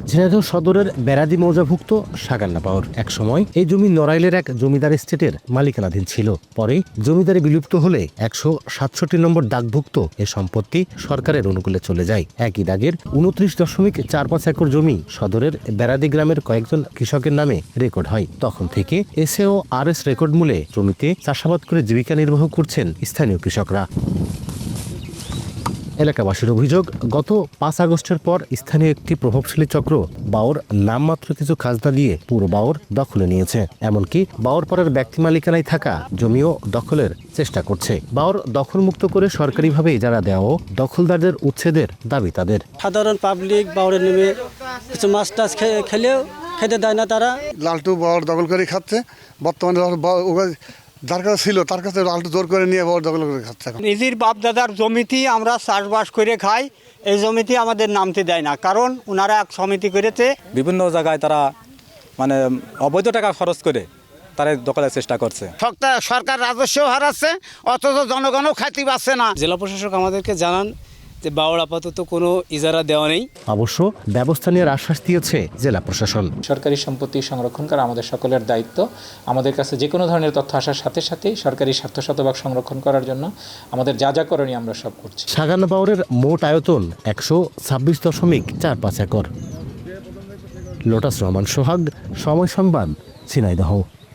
ঝিনাইদহ সদরের বেড়াদি মৌজাভুক্ত সাগান্না পাওয়ার এক সময় এই জমি নড়াইলের এক জমিদার এস্টেটের মালিকানাধীন ছিল। পরে জমিদারি বিলুপ্ত হলে ১৬৭ নম্বর দাগভুক্ত এ সম্পত্তি সরকারের অনুকূলে চলে যায়। একই দাগের ২৯.৪৫ একর জমি সদরের বেড়াদি গ্রামের কয়েকজন কৃষকের নামে রেকর্ড হয়। তখন থেকে এসএ ও আরএস রেকর্ড মূলে জমিতে চাষাবাদ করে জীবিকা নির্বাহ করছেন স্থানীয় কৃষকরা। এলাকাবাসীর অভিযোগ, গত ৫ আগস্টের পর স্থানীয় একটি প্রভাবশালী চক্র বাওর নামমাত্র কিছু খাজনা দিয়ে পুরো বাওর দখলে নিয়েছে। এমনকি বাওরপাড়ার ব্যক্তি মালিকানায় থাকা জমিও দখলের চেষ্টা করছে। বাওর দখলমুক্ত করে সরকারিভাবে ইজারা দেওয়া দখলদারদের উচ্ছেদের দাবি তাদের। সাধারণ পাবলিক বাওরে নেমে কিছু মাছ টাছ খেলেও খেতে দেয় না তারা। লালটু বাওর দখল করে খাচ্ছে। বর্তমানে যার কাছে ছিল তার কাছে লালটু জোর করে নিয়ে বাওর দখল করে খাচ্ছে। নিজের বাপ দাদার জমিতেই আমরা চাষবাস করে খাই, এই জমিতে আমাদের নামতে দেয় না, কারণ ওনারা এক সমিতি করেছে। বিভিন্ন জায়গায় তারা মানে অবৈধ টাকা খরচ করে তারা দখলের চেষ্টা করছে। সরকার রাজস্ব হারাচ্ছে, অথচ জনগণও খাইতে পারছে না। জেলা প্রশাসক আমাদেরকে জানান যে বাওর আপাতত কোনো ইজারা দেওয়া নেই। অবশ্য ব্যবস্থা নেওয়ার আশ্বাস দিয়েছে জেলা প্রশাসন। সরকারি সম্পত্তি সংরক্ষণ করা আমাদের সকলের দায়িত্ব। আমাদের কাছে যে কোনো ধরনের তথ্য আসার সাথে সাথেই সরকারি স্বার্থ শতভাগ সংরক্ষণ করার জন্য আমাদের যা যা করণীয় আমরা সব করছি। সাগান্না বাওরের মোট আয়তন ১২৬.৪৫ একর। লোটাস রহমান সোহাগ, সময় সংবাদ, ঝিনাইদহ।